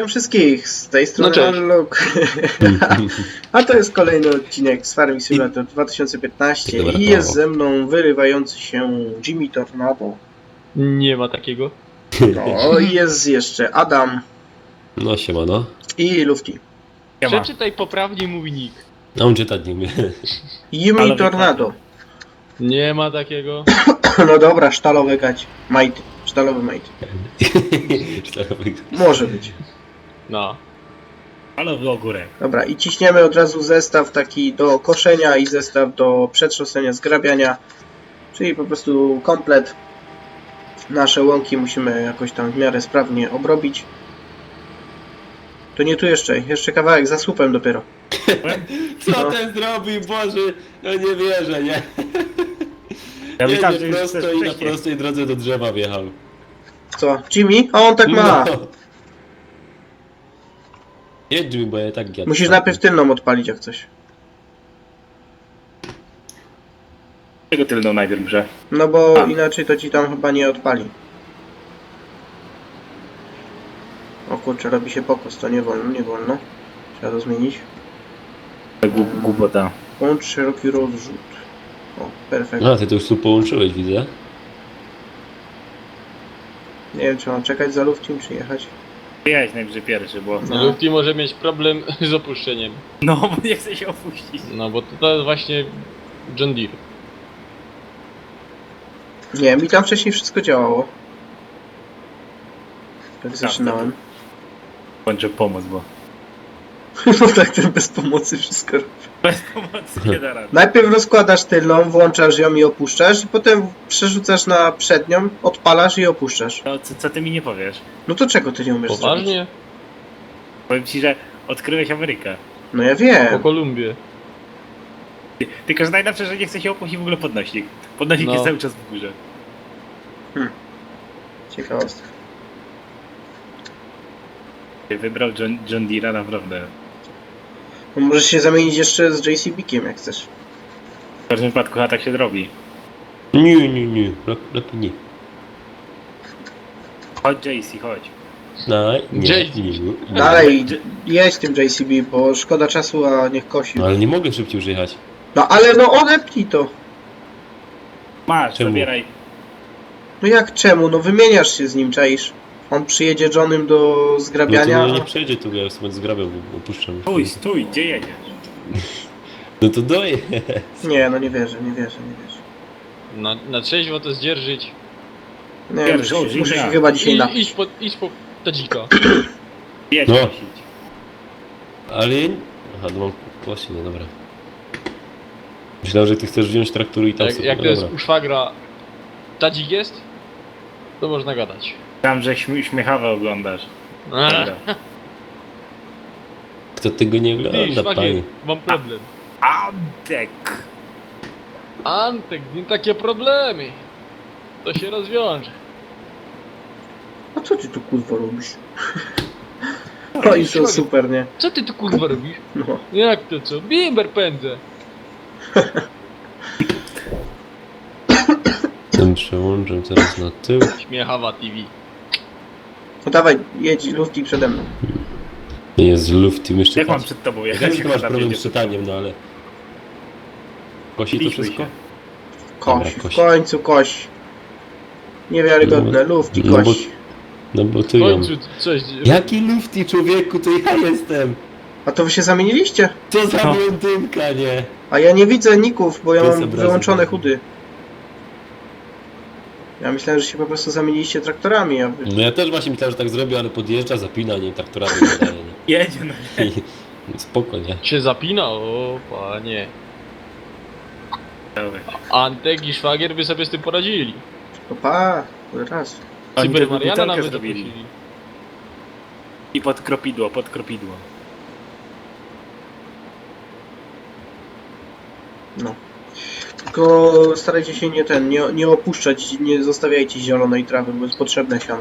Witam wszystkich, z tej strony cześć. Luke. A to jest kolejny odcinek z Farming Simulator 2015 Dobra, i jest ze mną wyrywający się Jimmy Tornado. Nie ma takiego. No i jest jeszcze Adam No siemano. i Lufty. Przeczytaj poprawnie mój nick. A on czytać nie umie. Jimmy Ale Tornado. Nie ma takiego. No dobra, sztalowy gać. Majty. Sztalowy majty. Może być. No. Ale w ogórek. Dobra, i ciśniemy od razu zestaw taki do koszenia i zestaw do przetrząsania, zgrabiania. Czyli po prostu komplet. Nasze łąki musimy jakoś tam w miarę sprawnie obrobić. To nie tu jeszcze kawałek, za słupem dopiero. Co No. ten zrobił, Boże? No nie wierzę, nie? Ja Jedzie myślałem, że już prosto chcesz i na wcześniej. prostej drodze do drzewa wjechał. Co? Jimmy? A on tak ma! No. Jedź mi, bo ja tak jadę. Musisz najpierw tylną odpalić jak coś. Czego tylną najpierw grze? No bo A. inaczej to ci tam chyba nie odpali. O kurczę, robi się pokos, to nie wolno, nie wolno. Trzeba to zmienić. Głupota. Łącz szeroki rozrzut. O, perfekt. A, ty to już tu połączyłeś, widzę. Nie wiem, czy mam czekać za Luftim, czy jechać. Jechać najwyżej pierwszy, bo... No. Lufty może mieć problem z opuszczeniem. No, bo nie chce się opuścić. No bo to jest właśnie John Deere. Nie, mi tam wcześniej wszystko działało. Tak zaczynałem. Kończę pomoc, bo... No tak, ten bez pomocy wszystko robi. Bez pomocy nie da rady. Najpierw rozkładasz tylną, włączasz ją i opuszczasz, i potem przerzucasz na przednią, odpalasz i opuszczasz. No, co ty mi nie powiesz? No to czego ty nie umiesz zrobić? Poważnie? Powiem ci, że odkryłeś Amerykę. No ja Po wiem. Kolumbię. Tylko, że najlepsze, że nie chce się opuścić w ogóle podnośnik. Podnośnik No. jest cały czas w górze. Ciekawostka. Wybrał John Deere'a naprawdę. No możesz się zamienić jeszcze z JCB-kiem jak chcesz. W każdym wypadku chyba tak się robi. Nie. Lepiej nie. Chodź JC, chodź. No, nie. JD. nie. Dalej, jedź tym JCB, bo szkoda czasu, a niech kosi. No ale nie mogę szybciej już jechać. No ale no odepnij to. Masz, Czemu? zabieraj. No jak czemu? No wymieniasz się z nim, czaisz. On przyjedzie Johnem do No to zgrabiania. no, nie przejdzie tu, ja sobie zgrabiał, bo opuszczam. Stój, gdzie jedziesz? No to doje. Nie, no nie wierzę. Na trzeźwo to zdzierżyć. Nie, Pierwszy muszę się odcinek. chyba dzisiaj napić. Idź po tadzika. Jedź No. nosić. Ale... Aha, no mam właśnie, no dobra. Myślałem, że ty chcesz wziąć traktory i tam Jak, sobie... jak no to jest dobra. u szwagra tadzik jest, to można gadać. Tam, że śmiechawę oglądasz. Dobra. Kto tego nie Ty, ogląda, szwagier, panie? mam problem. Antek! Antek, nie takie problemy. To się rozwiąże. A co ty tu kurwa robisz? No i to super, nie? Co ty tu kurwa robisz? No. Jak to co? Bimber pędzę. Ten przełączam teraz na tył. Śmiechawa TV. No dawaj, jedź Lufty przede mną. Nie jest lufty, jeszcze Jak mam patrz. przed tobą Ja jechać? wiem, że masz Tam problem jedzie. z czytaniem, no ale... Kosi to Biliśmy wszystko? się. Koś, Dobra, w koś. końcu koś. Niewiarygodne, Lufty no bo- koś. No bo ty W ją... końcu coś. Jaki lufty, człowieku, to ja jestem! A to wy się zamieniliście? Co za No. blondynka, nie? A ja nie widzę ników, bo ja To jest mam obrazek. wyłączone chudy. Ja myślałem, że się po prostu zamieniliście traktorami, a wy... No ja też właśnie myślałem, że tak zrobię, ale podjeżdża, zapina, nie, traktorami wydaje, nie? Jedzie, no. I- Spoko, nie? Się zapina? O panie. Dobra. Antek i szwagier by sobie z tym poradzili. To pa, raz. Oni Cyber to Mariana butelkę nawet zrobili. zaprosili. I pod kropidło. No. Tylko starajcie się nie opuszczać, nie zostawiajcie zielonej trawy, bo jest potrzebne siano.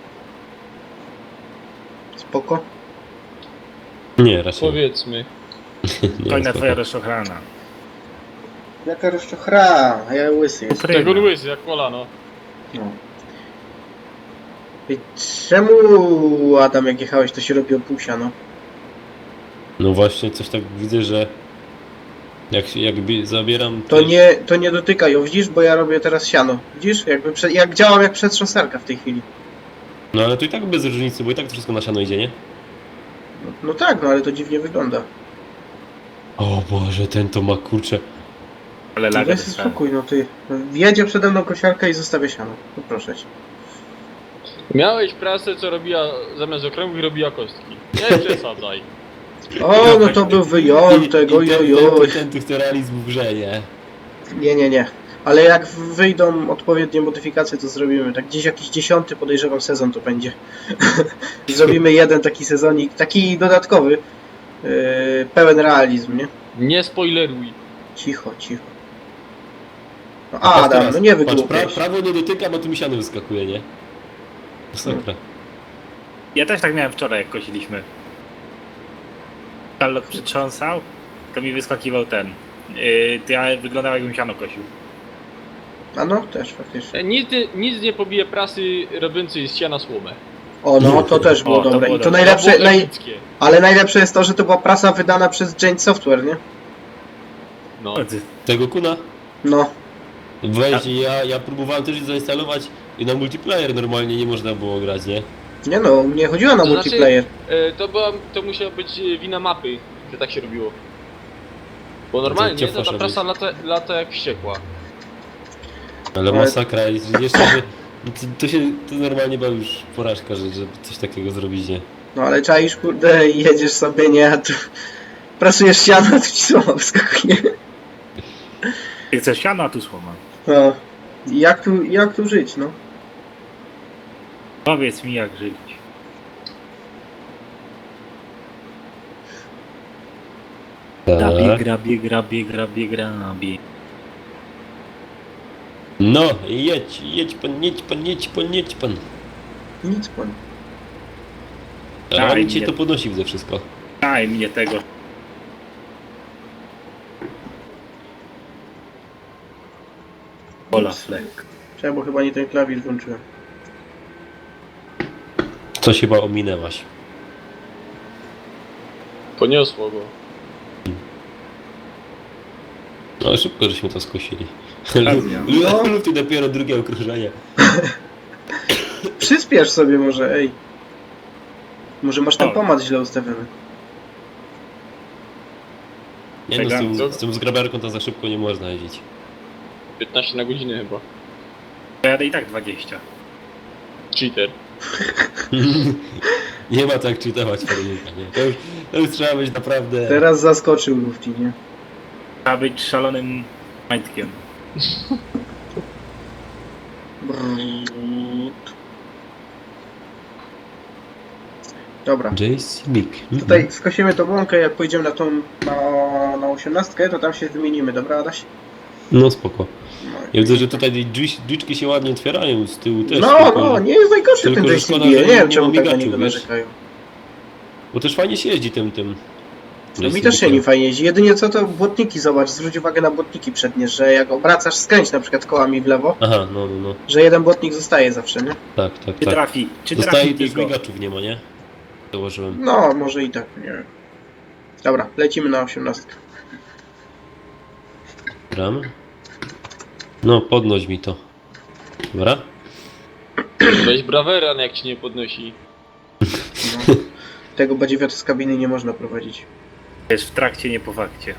Spoko? Nie, raczej Powiedzmy. nie. Końna spoko. twoja rozczochrana. Jaka rozczochra, a ja łysy jest. Pryna. Tego łysy jak kolano. No. I czemu, Adam, jak jechałeś, to się robi o pół siano? No właśnie, coś tak widzę, że jakby zabieram... To nie dotykaj, o widzisz, bo ja robię teraz siano. Widzisz? Jak działam jak przetrząsarka w tej chwili. No ale to i tak bez różnicy, bo i tak to wszystko na siano idzie, nie? No tak, no ale to dziwnie wygląda. O Boże, ten to ma kurczę. Ale No laga daj sobie dostałem. spokój, no ty. Wjedzie przede mną kosiarka i zostawia siano. No proszę cię. Miałeś prasę, co robiła zamiast okręgów robiła kostki. Nie przesadzaj. O, no to był wyjątek, ojojoj. Ten to realizm w grze, nie? Nie. Ale jak wyjdą odpowiednie modyfikacje, to zrobimy. Tak gdzieś jakiś 10, podejrzewam, sezon to będzie. Zrobimy jeden taki sezonik, taki dodatkowy. Pełen realizm, nie? Nie spoileruj. Cicho. No A patrz Adam, teraz, no nie patrz, wygłupiaj się. prawo nie dotyka, bo tu mi siano wyskakuje, nie? Masakra. Ja też tak miałem wczoraj, jak kosiliśmy. Charlotte przytrząsał, to mi wyskakiwał ten. To ja wyglądał, jakbym siano kosił. A no, też faktycznie. Nic nie pobije prasy robiącej z siana słomę. O, no, to też było O, to dobre. było I to dobre. najlepsze, To było epickie. ale najlepsze jest to, że to była prasa wydana przez Giant Software, nie? No. Tego kuna? No. Weź, ja próbowałem też zainstalować i na multiplayer normalnie nie można było grać, nie? Nie no, nie chodziło na To znaczy- multiplayer. To musiała być wina mapy, że tak się robiło. Bo normalnie cię to ta fasza prasa lata jak wściekła. Ale Ale- masakra, jeszcze, że to normalnie była już porażka, że coś takiego zrobić, nie? No ale czaisz, kurde, i jedziesz sobie, nie, a tu prasujesz siano, a tu ci słoma wyskakuje. Ty chcesz siano, a tu słoma. No. Jak tu żyć, no? Powiedz mi, jak żyć. Grabie. No, jedź pan. Nic pan. Ale Daj on cię mnie. to podnosi ze wszystko. Daj mnie tego. Ola Fleck. Czekaj, bo chyba nie ten klawisz włączyłem. Coś chyba ominęłaś. Poniosło go. No szybko żeśmy to skosili. No. Luty dopiero drugie okrążenie. Przyspiesz sobie może, ej. Może masz ten O. pomad źle ustawiony. Nie no, Tego- z tym zgrabiarką to za szybko nie można jeździć. 15 na godzinę chyba. Jadę i tak 20. Cheater. Nie ma tak czytować Formułka, nie? To już trzeba być naprawdę... Teraz zaskoczył Lufti, nie? Trzeba być szalonym majtkiem. Brrrt. Dobra. JC Mick. Tutaj skosimy tą łąkę, jak pojedziemy na 18, to tam się wymienimy, dobra Adaś? No spoko. No, Ja widzę, że tutaj drzwiczki się ładnie otwierają, z tyłu też. no, tylko, no, nie jest najgorszy tylko, ten że JCB, szkoda, nie że wiem nie czemu ma tak na migaczy, niego wiesz? narzekają. Bo też fajnie się jeździ tym. No mi też się nie fajnie jeździ, jedynie co to błotniki, zobacz, zwróć uwagę na błotniki przednie, że jak obracasz, skręć na przykład kołami w lewo, Aha, no. że jeden błotnik zostaje zawsze, nie? Tak. Czy trafi? Czy Zostaje trafi też tylko? migaczów nie ma, nie? Założyłem. No, może i tak, nie wiem. Dobra, lecimy na 18. Gram. No, podnoś mi to. Dobra? Weź braweran jak ci nie podnosi. No. Tego badziewiota z kabiny nie można prowadzić. Jest w trakcie, nie po fakcie.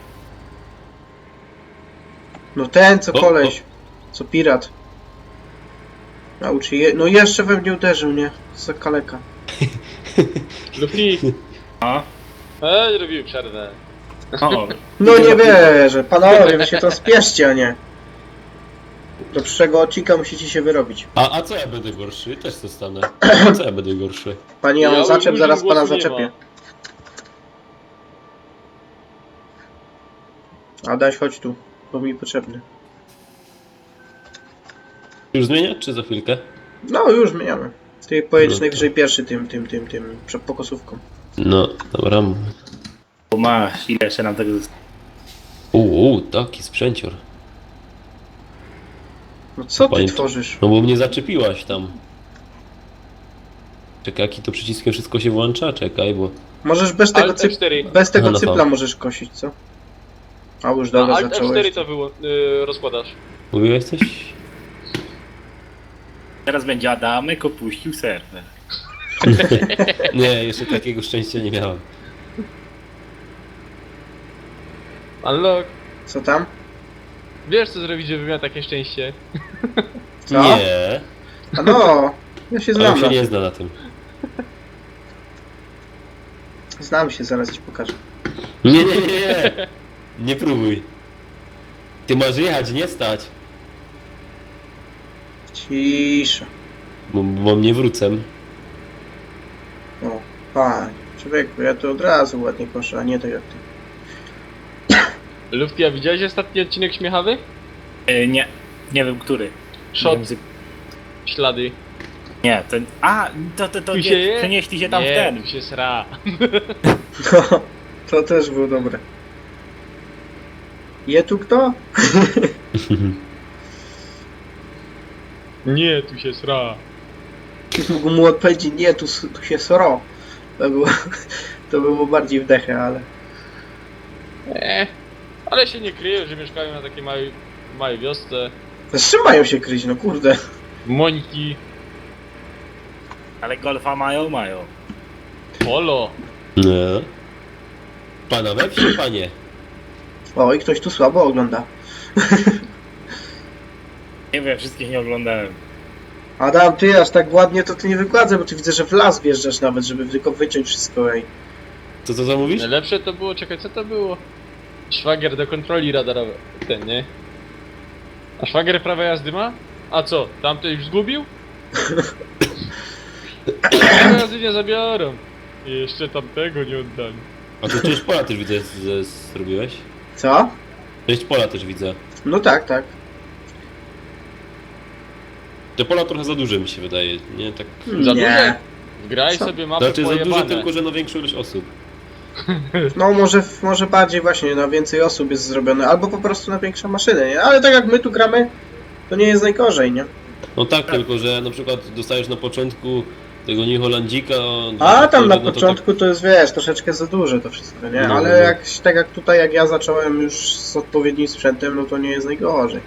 No ten, co O, koleś, co pirat. Nauczy je... No jeszcze we mnie uderzył, nie? Za kaleka. Luffy. O, Zrobił przerwę. o. No nie wierzę, panowie, wy się to spieszcie, a nie. Do przyszłego odcinka musicie się wyrobić. A co ja będę gorszy? Też zostanę. Co ja będę gorszy? Panie, ja Ja mam zaczep, już zaraz pana głosu nie zaczepię. ma. Adaś, chodź tu, bo mi potrzebny. Już zmieniać, czy za chwilkę? No już zmieniamy. Ty pojedziesz No najwyżej pierwszy tym przed pokosówką. No, dobra. Bo masz, ile jeszcze nam tego zostało? Taki sprzęcior. No co ty Panie- tworzysz? No bo mnie zaczepiłaś tam. Czekaj, jaki to przyciskiem wszystko się włącza? Czekaj, bo... Możesz bez tego, Alt F4. bez tego Aha, no cypla to. możesz kosić, co? A już Na dobra, Alt zacząłeś. F4 to rozkładasz. Mówiłeś coś? Teraz będzie Adamek opuścił serwer. Nie, jeszcze takiego szczęścia nie miałem. Unlock. Co tam? Wiesz co zrobić, żeby miał takie szczęście? Co? Nie, A no, ja się ale on znam. się Na nie tym. zna na tym. Znam się, zaraz ci pokażę. Nie, nie, nie, nie! Nie próbuj. Ty masz jechać, nie stać. Cisza. Bo mnie wrócę. O, panie. Człowieku, ja to od razu ładnie koszę, a nie tak jak ty. Lufty, a widziałeś ostatni odcinek śmiechawy? Nie, nie wiem który. Shot, Nie, wiem, ślady. nie, to... A, to Tu nie, się je? przenieśli się tam w Nie, ten. tu się sra. No, to też było dobre. Je tu kto? Nie, tu się sra. Mógł mu odpowiedzieć, nie, tu się sro. To było bardziej wdechę, ale... Ale się nie kryją, że mieszkają na takiej małej wiosce. Z czym mają się kryć, no kurde. Mońki, Ale golfa mają. polo. No. Pana we wsi, panie. O, i ktoś tu słabo ogląda. Nie wiem, wszystkich nie oglądałem. Adam, ty aż tak ładnie to ty nie wykładzę, bo ty widzę, że w las wjeżdżasz nawet, żeby tylko wyciąć wszystko, ej. Co zamówisz? Najlepsze to było, czekaj, co to było? Szwagier do kontroli radarowej. Ten, nie? A szwagier prawa jazdy ma? A co, tamto już zgubił? Prawa jazdy nie zabiorą. I jeszcze tamtego nie oddali. A tu część pola też widzę, zrobiłeś? Co? Część pola też widzę. No tak, tak. Te pola trochę za duże mi się wydaje, nie? Tak... Za Nie. duże? Wgraj Co? sobie mapę Znaczy za duże pojebane. tylko, że na większą ilość osób. No może bardziej właśnie na więcej osób jest zrobione, albo po prostu na większe maszyny, nie? Ale tak jak my tu gramy, to nie jest najgorzej, nie? No tak, tylko że na przykład dostajesz na początku tego New Hollandika... A tam na no to początku to jest, wiesz, troszeczkę za duże to wszystko, nie? No, Ale no. jak, tak jak tutaj, jak ja zacząłem już z odpowiednim sprzętem, no to nie jest najgorzej.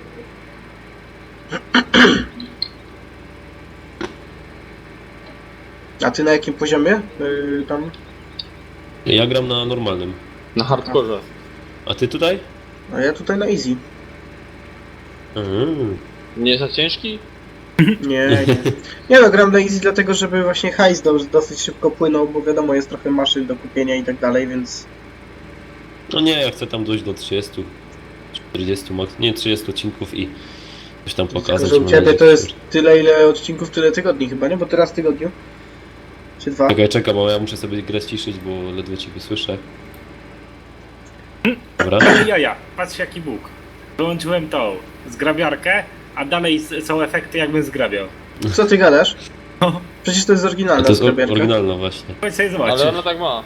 A ty na jakim poziomie? Tam? Ja gram na normalnym. Na hardkorze. A ty tutaj? A ja tutaj na easy. Nie za ciężki? Nie. Nie no, gram na easy dlatego, żeby właśnie hajs dosyć szybko płynął, bo wiadomo, jest trochę maszyn do kupienia i tak dalej, więc... No nie, ja chcę tam dojść do 30, 40 max, nie 30 odcinków i coś tam Tylko, pokazać. że u mam ciebie nadzieję, to że- jest tyle, ile odcinków, tyle tygodni chyba, nie? Bo teraz w tygodniu? Czy dwa? Czekaj, bo ja muszę sobie grę ściszyć, bo ledwo ciebie słyszę. Dobra. Ja, patrz jaki Bóg. Wyłączyłem tą zgrabiarkę, a dalej są efekty jakbym zgrabiał. Co ty gadasz? No. Przecież to jest A oryginalna to jest zgrabiarka. oryginalna właśnie. Chodź sobie zobaczyć. Ale ona tak ma.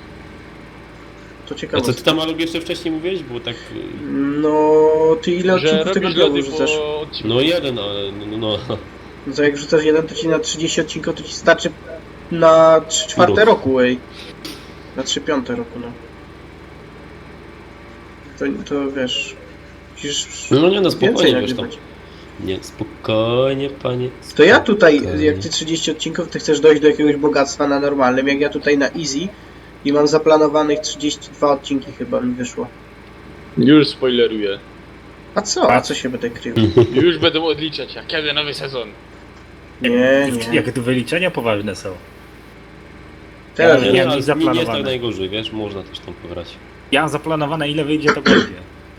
To A ciekawe. co ty tam Alok jeszcze wcześniej mówiłeś? Bo tak... No, ty ile Że odcinków robisz tygodniowo lody wrzucasz? po odcinku. No jeden, ale no. No to jak wrzucasz jeden, to ci na 30 odcinków to ci starczy na 3/4 Rok. roku, ej. Na 3/5 roku, no. To wiesz... Musisz No nie, no więcej spokojnie, wiesz tam. nagrywać. Nie, spokojnie, panie. To ja tutaj, Spokojnie. jak ty 30 odcinków, ty chcesz dojść do jakiegoś bogactwa na normalnym, jak ja tutaj na easy i mam zaplanowanych 32 odcinki chyba mi wyszło. Już spoileruję. A co? A co się będę krył? Już będą odliczać, a kiedy nowy sezon? Nie. Jakie tu wyliczenia poważne są. Teraz Nie, Nie, nie. ale nie jest tak zaplanowane. najgorzej, wiesz, można też tam pograć. Ja mam zaplanowane ile wyjdzie to będzie.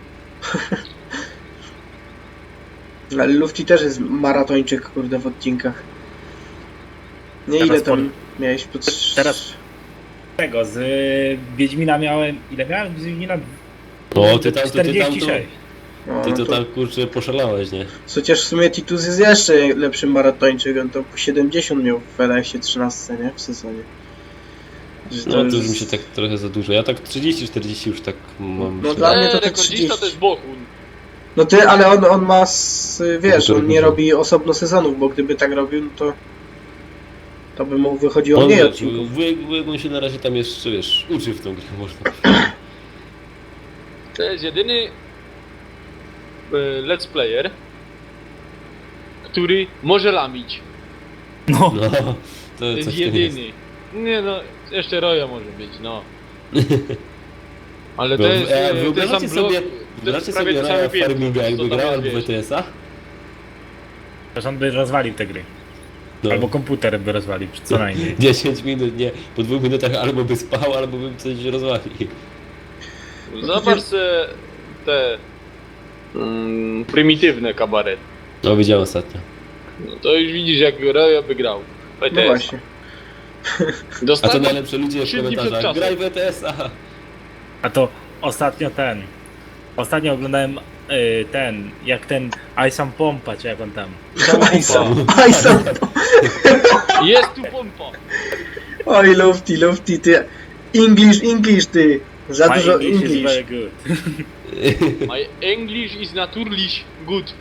Ale Lufty też jest maratończyk, kurde, w odcinkach. Nie, Teraz ile tam miałeś? Teraz- Tego, z Wiedźmina miałem... Ile miałem z Wiedźmina? O, ty tam to... 46. O, Ty no to to, tam kurczę poszalałeś, nie? chociaż w sumie Titus jest jeszcze lepszym maratończykiem, to po 70 miał w LS-ie 13, nie? W sezonie. Że No to już mi się tak trochę za dużo. Ja tak 30-40 już tak mam. No się- dla mnie to te rekordzista 30. to jest Bohun. No ty, ale on ma, wiesz, No to on nie dużo. robi osobno sezonów, bo gdyby tak robił, no to To by mu wychodziło On, mniej wiesz, odcinków. wujek on się na razie tam jeszcze, wiesz, uczy w tą grę, można. To jest jedyny let's player, który może lamić. No, No, to To jest coś w tym jest. jedyny. Nie no, jeszcze Roya może być, no. Ale to Bo, jest, to jest wyobrażacie sam blok, sobie, to jest wyobrażacie prawie sobie to całe Raya piętro, Farminga jakby co tam grał jest, albo w wiesz. ETS-a? to on by rozwalił te gry. No. Albo komputer by rozwalił, co najmniej. 10 minut, nie. Po 2 minutach albo by spał, albo by coś rozwalił. Zobacz se te prymitywne kabaret. No, widziałem ostatnio. No to już widzisz jak Roya by grał. No właśnie. A to Dostał najlepsze ludzie w 3 dni przed komentarzach. czasem. Graj w ETS-a! A to ostatnio oglądałem jak ten Isam Pompa, czy jak on tam. Aj, sam. Jest tu pompa! Oj, Lufty, ty. English, ty. Za My dużo English is English. very good. My English is naturlich good.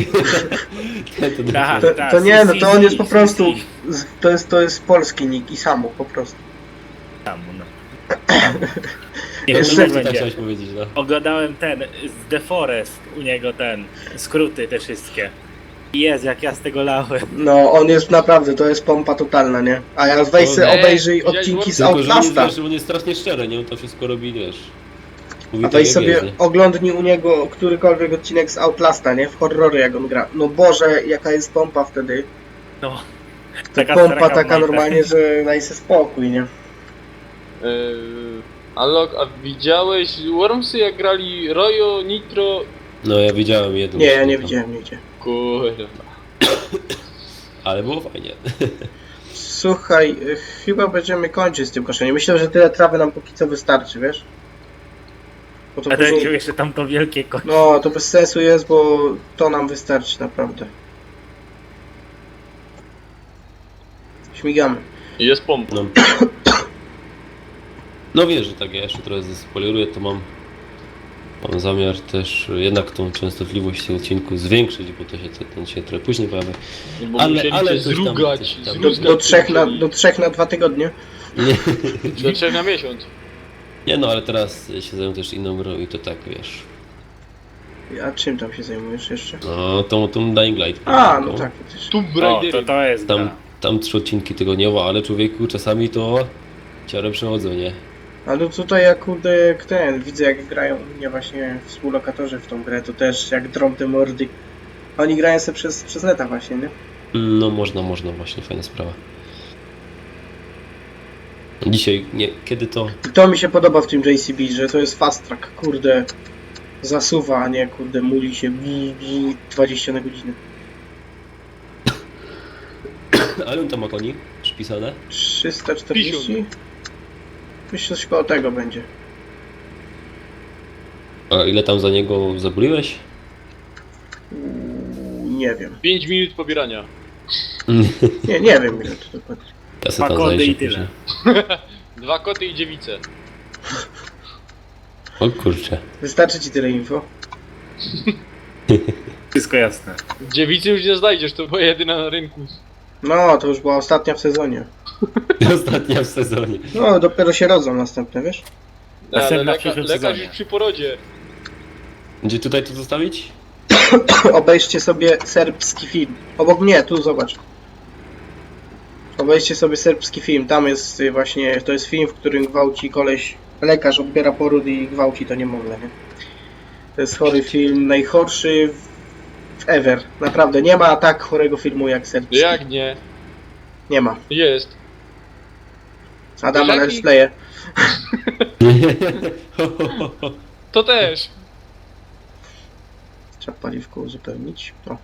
Tak, To nie, no to on jest po prostu, to jest polski nick i samo, po prostu. Tam, no. Jeszcze- Nie wiem, Co jak tak będzie. chciałeś powiedzieć, no. Oglądałem z The Forest, u niego skróty te wszystkie. I jest, jak ja z tego lałem. No, on jest naprawdę, to jest pompa totalna, nie? A ja weź sobie Ej, obejrzyj widziałeś odcinki z Tylko, że on jest, Outlasta. wiesz, on jest strasznie szczery, nie? On to wszystko robi, wiesz. Mówi A tak, weź jak sobie jest, nie? oglądnij u niego którykolwiek odcinek z Outlasta, nie? W horrory jak on gra. No Boże, jaka jest pompa wtedy. No. Pompa straka w taka majtach. normalnie, że daj sobie spokój, nie? Alok, a widziałeś Wormsy jak grali Royo, Nitro? No, ja widziałem jedną. Nie, ja nie tam. widziałem nigdzie. Kurwa. Ale było fajnie. Słuchaj, chyba będziemy kończyć z tym koszeniem. Myślę, że tyle trawy nam póki co wystarczy, wiesz? Bo to A ten później... jeszcze tam to wielkie konie. No, to bez sensu jest, bo to nam wystarczy naprawdę. Śmigamy. Jest pompa. No. No wiesz, że tak, ja jeszcze trochę zaspoileruję, to mam zamiar też jednak tą częstotliwość tych odcinków zwiększyć, bo to się ten się trochę później pojawia. Bo Ale- musieli ale cię coś tam- zrugać, coś tam. zrugać Do 3 na 2 tygodnie. do 3 na miesiąc. Nie no, ale teraz się zajmę też inną grą i to tak, wiesz. A czym tam się zajmujesz jeszcze? No, tą Dying Light. A, no tak, przecież. Tu O, Raidery. to jest Tam, gra. tam 3 odcinki tygodniowo, ale człowieku czasami to ciarę przechodzą, nie? Ale tutaj jak kurde, widzę jak grają u mnie właśnie współlokatorzy w tą grę, to też jak drą te mordy. Oni grają sobie przez neta właśnie, nie? No można, właśnie, fajna sprawa. Dzisiaj, nie, kiedy to? I to mi się podoba w tym JCB, że to jest fast track, kurde. Zasuwa, a nie kurde muli się 20 na godzinę. Ale on tam ma koni przypisane? 340? Myślę, że koło tego będzie. A ile tam za niego zabuliłeś? Nie wiem. 5 minut pobierania. Nie wiem ile to dokładnie. Ja sobie tam Dwa kody zajrzę i tyle. później. 2 koty i dziewice. O kurczę. Wystarczy ci tyle info? Wszystko jasne. Dziewicy już nie znajdziesz, to była jedyna na rynku. No, to już była ostatnia w sezonie. Ostatnia w sezonie. No, dopiero się rodzą następne, wiesz? Ale Następna w przyszłym lekarz sezonie. już przy porodzie. Gdzie tutaj to zostawić? Obejrzcie sobie serbski film. Obok mnie, tu zobacz. Obejrzcie sobie serbski film. Tam jest właśnie, to jest film, w którym gwałci koleś, lekarz odbiera poród i gwałci to niemowlę, nie? To jest chory film, najchorszy w ever. Naprawdę, nie ma tak chorego filmu jak serbski. Jak nie? Nie ma. Jest. Adama Jaki? let's playe. To też. Trzeba paliwko uzupełnić. O,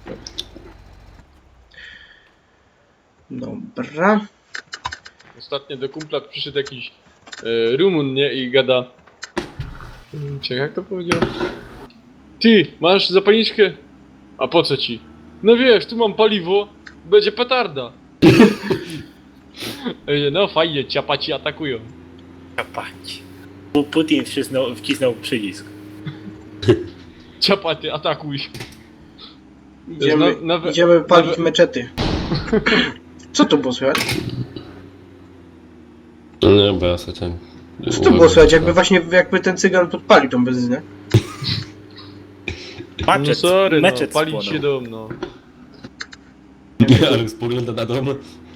dobra. Ostatnio do kumpla przyszedł jakiś Rumun, nie? I gada. Czekaj, jak to powiedział? Ty, masz zapalniczkę? A po co ci? No wiesz, tu mam paliwo, będzie petarda. No fajnie, ciapaci atakują. Kapać. Putin wcisnął przycisk. Ciapaty, atakuj. Idziemy, Nowe- idziemy palić nowe- meczety. Co to było słychać? No nie, bo ja sobie ten... Co tu było słychać? Jakby ten cygan podpalił tą benzynę. No Patrzeć, sorry, no, meczet palić spłonął. się dom, no. Ale spogląda na dom.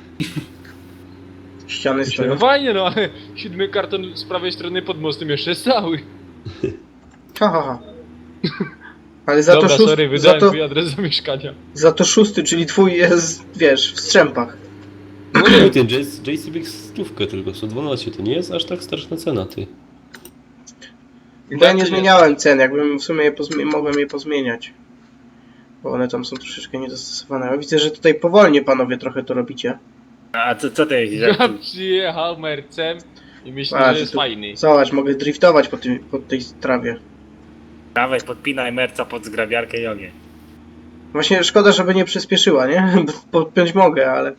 Ściany No stoją. fajnie, no ale 7 karton z prawej strony pod mostem jeszcze jest cały. Ha, ha, ha. Ale za Dobra, to sorry, szósty, wydałem twój adres zamieszkania. za to szósty, czyli twój jest, wiesz, w strzępach. No nie, ten JCB stówkę tylko, 112, to nie jest aż tak straszna cena, ty. Bo ja nie zmieniałem cen, jakbym w sumie mogłem je pozmieniać. Bo one tam są troszeczkę niedostosowane. Ja widzę, że tutaj powolnie panowie trochę to robicie. A co ty jeździsz? Jak Ja tu- przyjechał mercem i myślę, Patrz, że jest tu- fajny. Zobacz, mogę driftować po tej trawie. Dawaj, podpinaj merca pod zgrabiarkę i ogień. Właśnie szkoda, żeby nie przyspieszyła, nie? Podpiąć mogę, ale...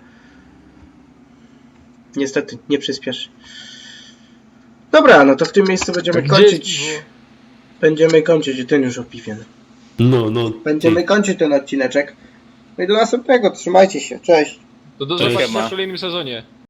Niestety, nie przyspieszy. Dobra, no to w tym miejscu będziemy Gdzie jest kończyć... piwo? Będziemy kończyć, ten już opiwien. No, Będziemy kończyć ten odcineczek. No i do następnego, trzymajcie się, cześć. To do Cześć. zobaczenia Siema. w kolejnym sezonie.